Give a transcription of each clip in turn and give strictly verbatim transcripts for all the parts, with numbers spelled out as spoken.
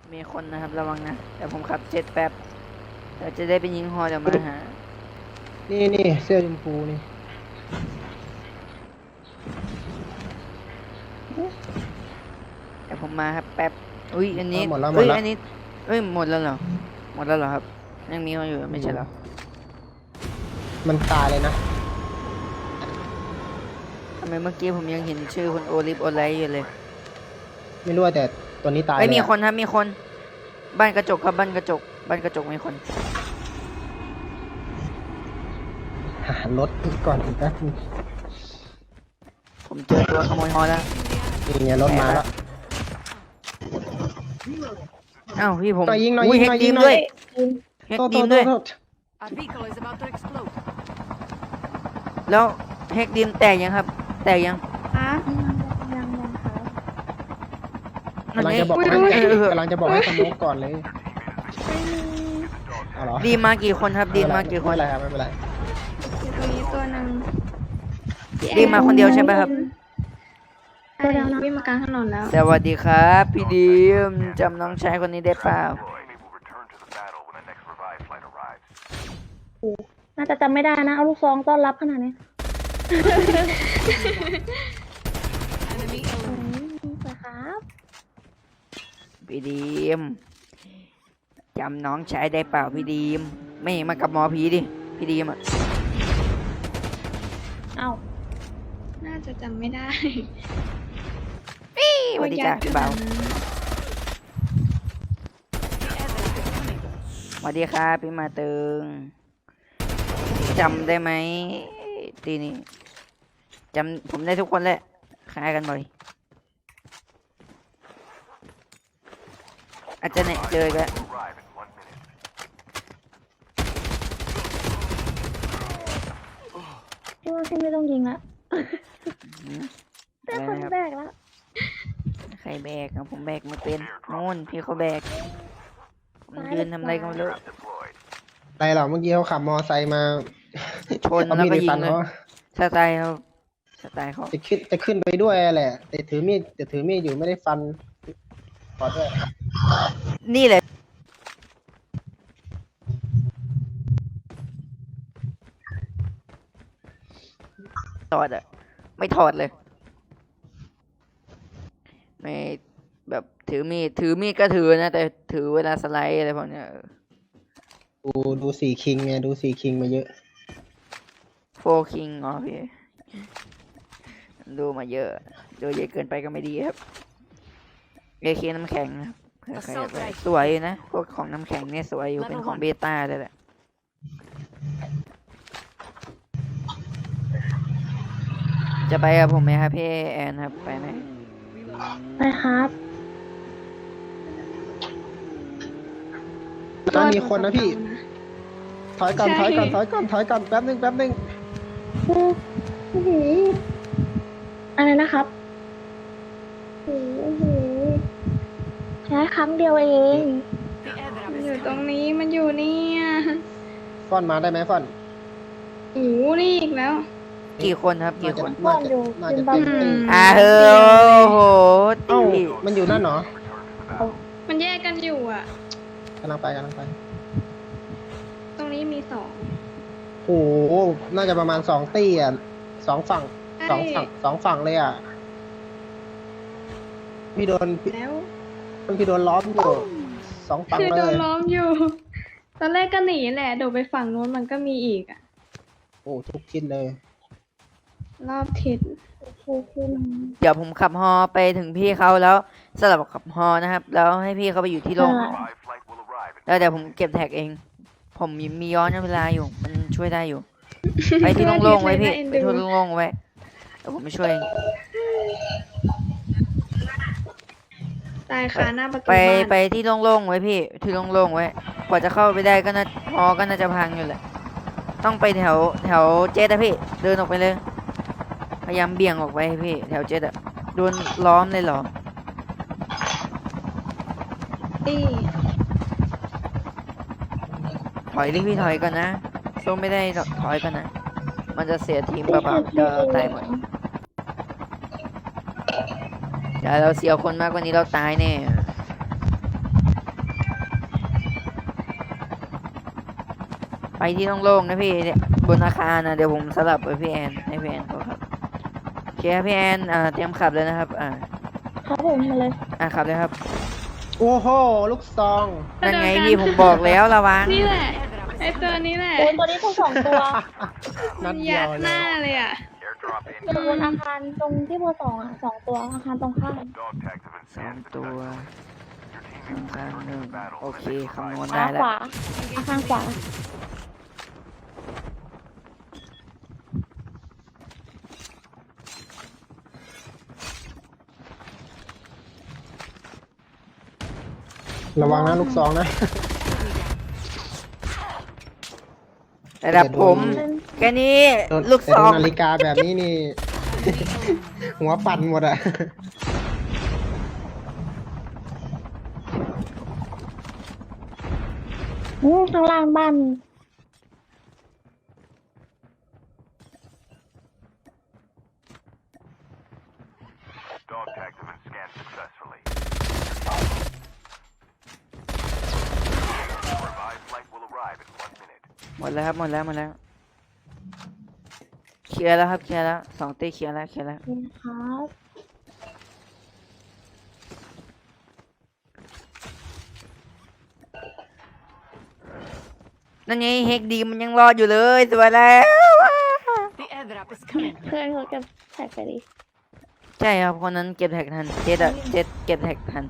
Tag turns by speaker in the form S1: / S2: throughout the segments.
S1: มีคนนะครับระวังนะแต่ผมขับเจ็ตแป๊บเดี๋ยวจะได้ไปยิงฮอเดี๋ยวมาหา
S2: นี่นี่เสื้อชมพูนี่
S1: เดี๋ยวผมมาครับแป๊บอุ้ยอันนี้
S2: หมดแล้วหม
S1: เอ้
S2: ด
S1: ย
S2: แล้ว
S1: อันนี้เอ้ยหมดแล้วเหรอหมดแล้วเหรอครับยังมีคนอยู่ไม่ใช่เหรอ
S2: มันตายเลยนะ
S1: ทำไมเมื่อกี้ผมยังเห็นชื่อคนโอลิฟโอไลท์อยู่เลย
S2: ไม่รู้ว่าแต่ตัวนี้ตาย
S1: เอ้ย
S2: เลย
S1: มี
S2: อะ
S1: คนครับมีคนบ้านกระจกครับบ้านกระจกบ้านกระจกมีคน
S2: หารถก่อนอีกแป๊บนึง
S1: ผมเจอตัวขโมยฮอแล้ว
S2: นี่ไงรถมาแล้ว
S1: อ้าวพี่ผม
S2: หน่อยยิงหน่อย
S1: อุ้
S2: ยิง
S1: แฮ
S2: หน่
S1: ก
S2: อย
S1: ดี
S2: ยิง
S1: ม
S2: หน่
S1: ด้
S2: อ
S1: วย
S2: ย
S1: แฮก
S2: โทษโท
S1: ดีม
S2: ษโท
S1: ด้วย
S2: ษโทษ
S3: Our vehicle is about to explode.
S1: แล้วแฮกดีมแตกยังครับ แตกยัง
S4: คะยังยังค่ะ
S2: กำลังจะบอก
S1: น
S2: ให้
S1: นี้เออก
S2: ำลังจะบอกให้สโมกก่อนเลย
S4: ไม่มี
S2: เอาเหรอ
S1: ดีมากี่คนครับดีมากี่คน
S2: ไม่เป็นไรครับไม่เป็นไร
S4: อยู่ตรงนี้ตัวหนึ่ง
S1: ดีมาคนเดียวใช่ไหมครับ
S4: ตัวเดียวนะวิ่งมากลางถนนแล้ว
S1: สวัสดีครับพี่ดีมจำน้องชายคนนี้ได้เปล่า
S4: น่าจะจำไม่ได้นะ เอาลูกซองต้อนรับขนาดนี้
S3: Enemy
S4: อื
S3: eliminated.
S4: มสวยครับ
S1: พี่ดีมจำน้องชายได้เปล่าพี่ดีมไม่มากับหมอผีดิพี่ดีมอ่ะ
S4: เอ้า
S5: น่าจะจำไม่ได้
S1: สวัสดีจ้าพี่เบาสวัสดีครับพี่มาตึงจำได้ไหมทีนี้จำผมได้ทุกคนแหละคล้ายกันบ่อยอาจจะเนี่ยเจอกัน
S4: พี่ว่าพี่ไม่ต้องยิงละ
S1: หืม
S4: ได้
S1: อะไร
S4: คน
S1: นะครับ
S4: แบกแล้ว
S1: ใครแบกอะผมแบกไม่เป็นนู่นพี่เขาแบกมันยืนทำอะไรก็ไม่รู้
S2: อะไรหรอเมื่อกี้เขาขับมอไซค์มา
S1: ชน
S2: เอา
S1: แล้ว
S2: มีด
S1: ก็
S2: ไป
S1: ยิ
S2: ฟั
S1: ง
S2: น
S1: เลย
S2: เขา
S1: สไตล์เขาสไตล์เขา
S2: จะขึ้นจะขึ้นไปด้วยแหละ แต่ถือมีดแต่ถือมีดอยู่ไม่ได้ฟันขอโทษ
S1: นี่แหละถอดอะไม่ถอดเลย ไม่แบบถือมีดถือมีดก็ถือนะ แต่ถือเวลาสไลด์อะไรพวกเนี้ย
S2: ดูดูสี่คิงไงดูสี่คิงมาเยอะ
S1: โฟคิงอ๋อพี่ดูมาเยอะดูเยอะเกินไปก็ไม่ดีครับเอเคน้ำแข็งนะครับเผื่อใครอยากได้สวยอยู่นะพวกของน้ำแข็งเนี่ยสวยอยู่เป็นของเบต้าด้วยแหละจะไปกับผมไหมครับพี่แอนครับไปไหม
S4: ไปครับ
S2: ตอนมีคนนะพี่ ถอยก่อน
S5: ใช่
S2: ถอยก่อนถอยก่อนถอยก่อนแป๊บนึงแป๊บนึง
S4: โอ้โหอะไรนะครับโอ้โหแค่ครั้งเดียวเอง
S3: The
S5: มัน
S3: airdrop
S5: อยู่
S3: is
S5: ตรง
S3: coming.
S5: นี้มันอยู่เนี่ย
S2: ฟอนมาได้ไหมฟอน
S5: โอ้โหนี่อีกแล้ว
S1: กี่คนครับ
S2: น่า
S1: กี่
S2: จะ
S1: คน
S2: น่าจะน่าจะเต็มตี
S1: อ่าเฮ้ยโอ้โห
S2: เอ้า
S1: ตี
S2: มันอยู่นั่นเหรอ
S5: มันแยกกันอยู่อ่ะ
S2: กำลังไปกำลังไป
S5: ตรงนี้มีสอง
S2: โอ้โหน่าจะประมาณสองตีอ่ะสองฝั่งสองฝั่งสองฝั่งเลยอ่ะพี่โดนพี่
S5: แล้ว
S2: พี่โดนล้อมอยู่สองฝั่ง
S5: คือ
S2: เล
S5: โดน
S2: ย
S5: ล้อมอยู่ ตอนแรกก็หนีแหละโดดไปฝั่งนู้นมันก็มีอีกอ่ะ
S2: โอ้ทุกทิศเลย
S5: รอบทิศ
S1: เดี๋ยวผมขับฮอไปถึงพี่เขาแล้วสลับขับฮอนะครับ แล้วให้พี่เขาไปอยู่ที่โล่งแล้วเดี๋ยวผมเก็บแท็กเอง ผมมีย้อนเวลาอยู่ มันช่วยได้อยู่ ไปที่โล่งๆไว้พี่ไปที่โล่งๆไว้เดี๋ยวผมไปช่วยเอง
S5: ตายคาหน้าประตู
S1: ไป
S5: บ้าน
S1: ไปที่โล่งๆไว้พี่ ที่โล่งๆไว้ กว่าจะเข้าไปได้ก็น่าฮอก็น่าจะพังอยู่แหละ ต้องไปแถวแถวเจ็ดอะพี่ เดินออกไปเลย พยายามเบี่ยงออกไปพี่ แถวเจ็ดอะโดนล้อมเลยเหรอ
S5: ตี้
S1: ถอยดิพี่ถอยก่อนนะสู้ไม่ได้หรอกถอยก่อนนะ มันจะเสียทีมเปล่าๆจะตายหมดเดี๋ยวเราเสียคนมากกว่านี้เราตายแน่ไปที่โล่งๆนะพี่เนี่ยบนอาคารนะเดี๋ยวผมสลับไปพี่แอนให้พี่แอนเขาขับโอเคครับพี่แอนอ่าเตรียมขับเลยนะครับอ่า
S4: ครับผมมาเลย
S1: อ่าขับเลยครับ
S2: โอ้โห ลูกซอง
S1: นั่นไงพี่ผมบอกแล้วระวัง
S5: นี่แหละ ไอตัวนี้แหละ
S4: โอ้ยตัวนี้ทั้งสองตัว
S2: นัดเดี
S5: ยั
S2: ยว
S5: ด
S2: เล
S5: หน้าย เลยอ่ะ
S4: อยู่บนอาคารตรงที่เบอร์สองอ่ะสองตัวอาคารตรงข้าม
S1: สองตัวอาคารหนึ่งโอเคคำนวณ
S4: ขา
S1: ได้แล้ว
S4: ขวาอาคารขวา
S2: ระวังนะลูกซองนะ
S1: ระดับผมแค่นี้ลูก
S2: แต่
S1: ซอง
S2: โดนนาฬิกาแบบนี้นี่ หัวปั่นหมดอะ
S4: อืมข้างล่างบ้าน
S1: หมดแล้วครับหมดแล้วหมดแล้วเคลียร์แล้วครับเคลียร์แล้วสองตีเคลียร์แล้วเคลียร์แล้ว
S4: นี่ครับ
S1: นั่นไงเฮกดีมันยังรอดอยู่เลยสวยแล้ว
S3: The airdrop is coming.
S4: เพื่อนเขาเก็บแท็กไปดิ
S1: ใช่ครับคนนั้นเก็บแท็กทันเจ็ดอะเจ็ดเก็บแท็กทัน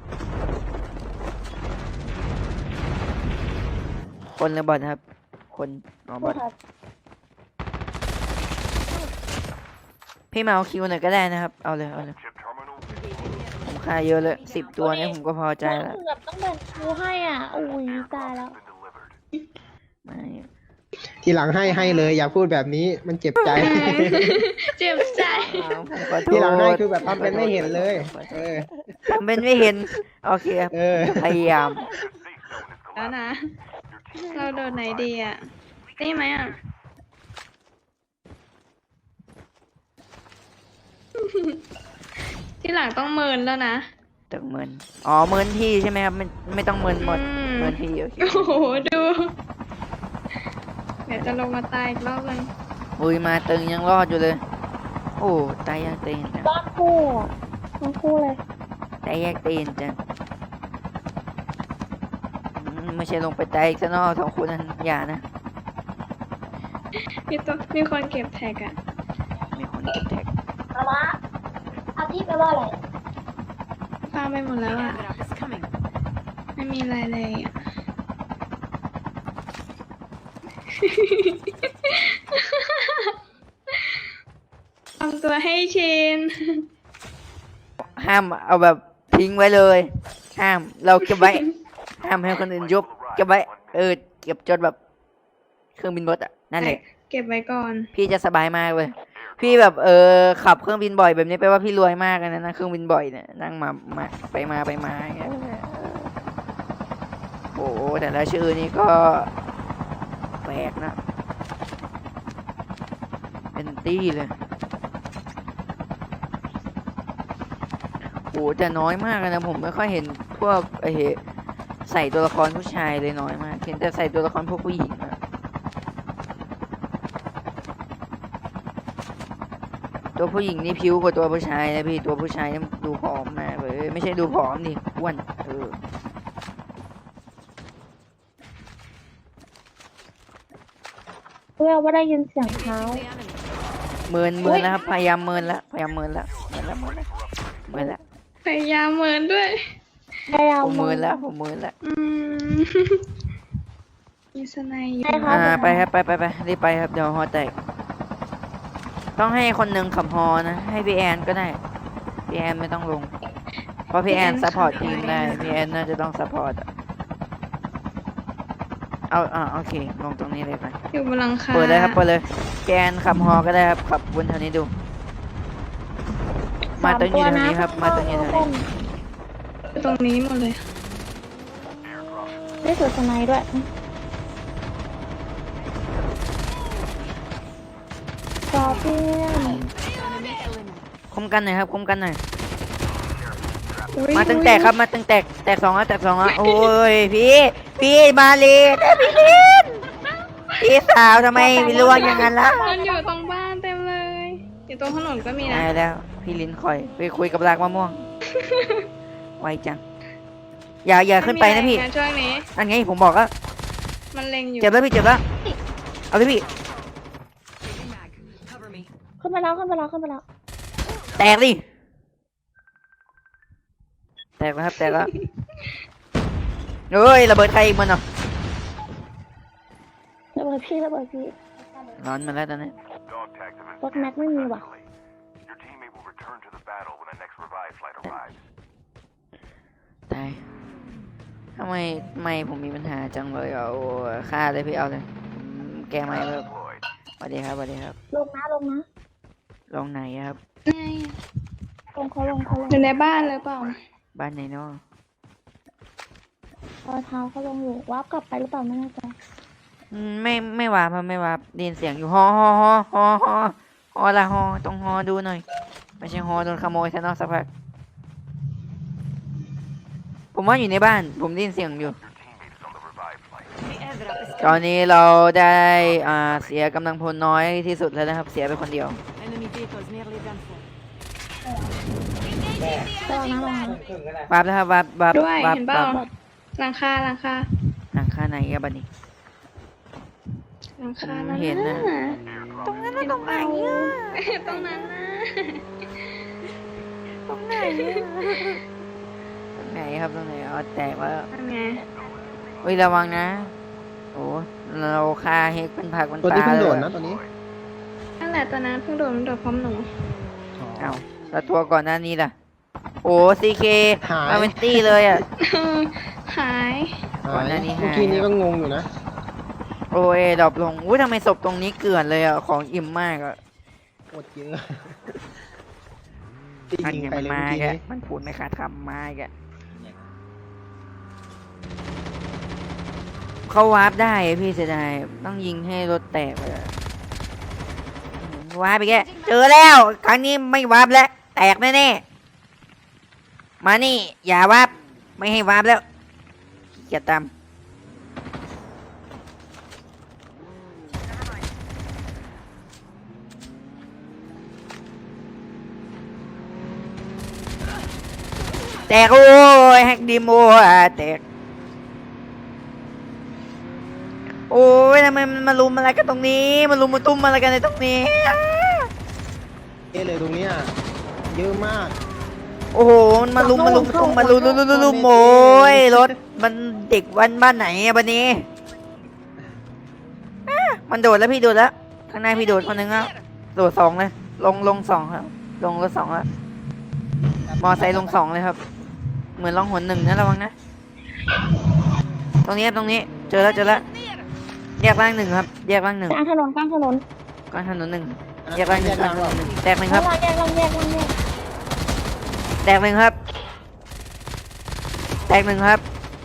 S1: คนหรือบอทครับ คนอ๋อบอท
S4: ครับ
S1: พี่มาเอาคิวหน่อยก็ได้นะครับเอาเลยเอาเลยผมค่าเยอะเลยสิบตัวเนี้ผมก็พอใจแล้ว
S4: เกือบต้องแบ่งคิวให้อ่ะอุ้ยตายแล้ว
S1: ไม่
S2: ทีหลังให้ให้เลย อย่าพูดแบบนี้มันเจ็บใจ
S5: เจ็บใจ
S1: เอาผมขอโทษ
S2: ทีหลังให้คือแบบทำเป็นไม่เห็นเลย เออ
S1: ทำเป็นไม่เห็นโอเคครับ
S2: เออ
S1: พยายาม
S5: แล้วนะ เราโดนไหนดีอ่ะ นี่ไหมอ่ะ ที่หลังต้องเมินแล้วนะ
S1: ตึงเมินอ๋อเมินที่ใช่ไหมครับไม่ไม่ต้องเมินหมด
S5: อืม
S1: เมินที่โอเค
S5: โอ้โห ดู เดี๋ยวจะลงมาตายอีกรอบเลย
S1: อุ้ยมาตึงยังรอดอยู่เลย โอ้ตายยากเตีนจัง
S4: บ้านคู่อ่ะบ้านคู่เลย
S1: ตายยากเตีนจังอืมไม่ใช่ลงไปตายอีกซะเนอกสองคนนั้นอย่านะ
S5: มีตัวมีคนเก็บแท็กอ่ะ
S1: มีคนเก็บแท็ก
S4: เอาวะเอาที่ไปว่าอะไร
S5: ฟาร์มไปหมด
S3: The
S5: แล้วอ่ะ
S3: airdrop is coming.
S5: ไม่มีอะไรเลยอ่ะ ทำตัวให้ชิน
S1: ห้ามเอาแบบทิ้งไว้เลย ห้ามเราเก็บไว้ ห้ามให้คนอื่นยกเก็บไว้ เออเก็บจนแบบเครื่องบินบดอ่ะนั่นแหละ
S5: เก็บไว้ก่อน
S1: พี่จะสบายมากเลย พี่แบบเออขับเครื่องบินบ่อยแบบนี้แปลว่าพี่รวยมากเลยนะนั่งเครื่องบินบ่อยเนี่ยนั่งมามาไปมาไปมาอย่างเงี้ยโอ้โหแต่ละชื่อนี่ก็แปลกนะ เป็นตี้เลยโอ้แต่น้อยมากเลยนะผมไม่ค่อยเห็นพวกไอ้ใส่ตัวละครผู้ชายเลยน้อยมากเห็นแต่ใส่ตัวละครพวกผู้หญิงอะตัวผู้หญิงนี่ผิวกว่าตัวผู้ชายนะพี่ตัวผู้ชายนี่ดูผอมมากเลยไม่ใช่ดูผอมดิอ้วนเออ
S4: เพื่อว่าได้ยินเสียงเท้า
S3: The enemy.
S1: เมินเมินแล้วครับพยายามเมินแล้วพยายามเมินแล้วเมินแล้วเมินแล้วเมินแล้ว
S5: พยายามเมินด้วย
S4: พยายาม
S1: ผมเมินแล้วผมเมินแล้ว
S5: อืม มีสไนด์อยู่
S4: ใช่ครับ
S1: อ่าไปครับไปไปไปรีบไปครับเดี๋ยวฮอแตกต้องให้คนหนึ่งขับฮอนะให้พี่แอนก็ได้พี่แอนไม่ต้องลง เพราะพี่แอนซัพพอร์ตทีมได้พี่แอนน่าจะต้องซัพพอร์ตอะเอาอ่าโอเคลงตรงนี้เลยไป
S5: อยู่บนหลังคา
S1: เปิดเลยครับเปิดเลยพี่แอนขับฮอก็ได้ครับขับวนแถวนี้ดู มาตรงนี้แถวนี้ครับมาตรงนี้แถวนี้
S5: ตรงนี้หมดเลย
S4: ได้สวยสไนด์ด้วยจอเพื่อน
S3: Enemy eliminated.
S1: คมกันหน่อยครับคมกันหน่อย
S5: อุ๊ย
S1: มาตึงแตกครับมาตึงแตกแตกสองแล้วแตกสองแล้วโอ้ยพี่พี่มาเลยพี่ลินพี่สาวทำไมวิลวงอย่างนั้นล่ะ
S5: มันอยู่ตรงบ้านเต็มเลย อยู่ตรงถนนก็มีนะ
S1: ได้แล้ว พี่ลิ้นคอยไปคุยกับรากมะม่วง ไวจัง อย่าอย่าขึ้นไปนะพี่
S5: ม่มีอรช่วงนี้
S1: อันไงผมบอกแล้ว
S5: มันเล็งอยู่
S1: เจ็บแล้วพี่เจ็บแล้ว เอาเลยพี่
S3: Changing mag. Cover me.
S4: ขึ้นไปแล้วขึ้นไปแล้วขึ้นไปแล้ว
S1: แตกดิแตกแล้วครับแตกแล้วเฮ้ยระเบิดใครอีกมันเนาะ
S4: ระเบิดพี่ระเบิดพี่
S1: ร้อนมาแล้วตอนนี้
S6: Dog tags have been
S4: รถแม็กไม่มีว่ะ
S6: successfully. Your teammate will return to the battle when the next revive flight arrives.
S1: ตายทำไมทำไมผมมีปัญหาจังเลยเอาฆ่าเลยพี่เอาเลยผมแก้ไม่เลิก
S6: Deployed.
S1: สวัสดีครับสวัสดีครับ
S4: ลงนะลงนะ
S1: ลงไหนครับ
S5: ไง
S4: ลงเขาลงเขาลง
S5: อยู่ในบ้านเลยเปล่า
S1: บ้านไหนเนาะ
S4: รอยเท้าเขาลงอยู่วาร์ปกลับไปหรือเปล่าไม่แน่ใจ
S1: อืมไม่ไม่วาบครับไม่วาบได้ยินเสียงอยู่ฮอฮอฮอฮอฮอฮอละฮอต้องฮอดูหน่อย ไม่ใช่ฮอโดนขโมยซะเนอกสักพักผมว่าอยู่ในบ้าน ผมได้ยินเสียงอยู่
S6: Your teammate is on the revive flight.
S3: The airdrop is
S1: ตอน
S3: coming.
S1: นี้เราได้อ่าเสียกำลังพลน้อยที่สุดแล้วนะครับ เสียไปคนเดียว
S3: Enemy vehicles nearly done for.
S4: ระวังนะระวังนะ
S1: วาบแล้วครับวาบวาบ
S5: ด้วย
S1: วาบ
S5: เห็นเปล่าว
S1: าบ
S5: หลังคาหลังคา
S1: หลังคาไหนครับบัดนี้
S5: หลังคา
S1: ผมเห็นนะ
S5: ตรงนั้นนะตรงไหนอ่ะตรงนั้นนะ
S1: ตรงไหนอะตรงไหนครับตรงไหนอ๋อแตกแล้ว
S5: นั่นไง
S1: เฮ้ยระวังนะโอ้เราคาเฮกเป็นผักเป็น
S2: ตัว
S1: ป
S2: ที่
S1: ลา
S2: เพิ่ง
S1: เล
S2: โด
S1: ย
S2: ดนะตัวนี้
S5: นั่นแหละตอนนั้นเพิ่งโดดมันโดดพร้อมหนู
S1: เอ้าแล้วตัวก่อนหน้านี้ล่ะ โอ้ซีเค
S2: หาย
S1: มาเป็นตี้เลยอ่ะ
S5: หาย
S1: ก่อนหน้านี้หาย
S2: เมื่อกี้นี้ก็งงอยู่นะ
S1: โอ้ยดรอปลงอุ้ยทำไมศพตรงนี้เกลื่อนเลยอ่ะ ของอิ่มมากอ่ะ
S2: โคตรเยอะ
S1: มัน
S2: ยิง
S1: ยัง
S2: ไปเลย
S1: มา
S2: เมื่อกี้
S1: แก
S2: นี้
S1: มันพูดไม่ขาดคำมาแกเขาวาร์ปได้อะพี่เสียดายต้องยิงให้รถแตกเลยอะวาร์ปไปแกเจอแล้ว ครั้งนี้ไม่วาร์ปแล้ว แตกแน่ๆมานี่ อย่าวาร์ปไม่ให้วาร์ปแล้วอย่าตามแตกโอ้ยแฮกดีโมอ่ะแตกโอ้ยทำไมมันมาลุมอะไรกันตรงนี้มาลุมมาตุ้มอะไรกันในตรงนี้
S2: เอะเลยตรงเนี้ยเยอะมาก
S1: โอ้โหมันมาลุมมาลุมมาตุ้มมาลุมลุมลุมลุมลุมโอ้ยรถมันเด็กวันบ้านไหนอะบันนี้อ่ะมันโดดแล้วพี่โดดแล้วข้างหน้าพี่โดดคนหนึ่งแล้วโดดสองเลยลงลงสองครับลงรถสองแล้วมอไซค์ลงสองเลยครับ เหมือนลองหนหนึ่งนะระวังนะตรงนี้ครับตรงนี้เจอแล้วเจอแล้วแยกล่างหนึ่งครับแยกล่างหนึ่ง
S4: กลางถนนกลางถนน
S1: กลางถนนหนึ่งแยกล่างหนึ่งกลางถนนหนึ่งแตกหนึ่งครับ
S4: ลองแยกลองแยกลองแยก
S1: แตกหนึ่งครับ แตกหนึ่งครับ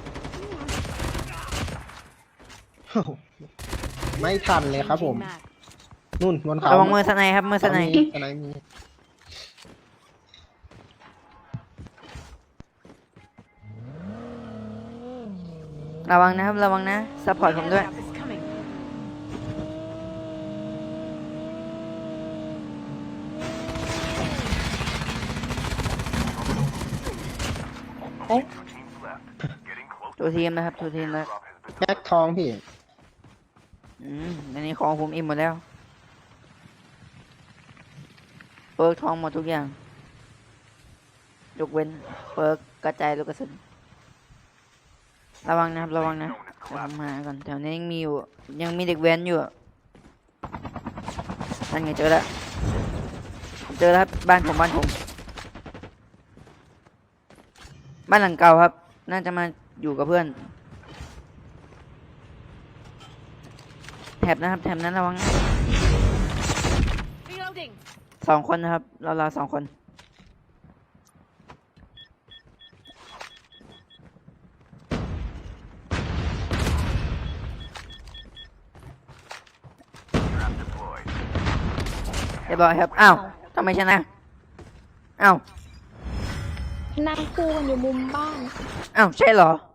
S2: ไม่ทันเลยครับผม
S3: Changing mag.
S2: นู่นบนเขา
S1: ระวังมือสไนด์ครับมือสไนด์
S2: มีสไนด์มี
S1: ระวังนะครับระวังนะซัพพอร์ตผมด้วย
S3: Airdrop is coming.
S4: เอ๊ะ
S1: ตัวทีมนะครับตัวทีมแล้ว
S2: แม็กทองพี่
S1: อืมอันนี้ของผมอิ่มหมดแล้วเปิร์กทองหมดทุกอย่างยกเว้นเปิร์กกระจายลูกกระสุนระวังนะครับระวังนะเดี๋ยวผมหาก่อนแถวนี้ยังมีอยู่ยังมีเด็กแว้นอยู่อะนั่นไงเจอแล้วผมเจอแล้วครับบ้านผมบ้านผมบ้านหลังเก่าครับ น่าจะมาอยู่กับเพื่อนแถบนะครับแถบนั้นระวังนะ
S3: Reloading.
S1: สองคนนะครับ เราเราสองคนเรียบร้อยครับ อ้าวทำไมชนะ อ้าว
S4: นั่งคู่กันอยู่มุมบ้าน
S1: อ้าว ใช่เหรอ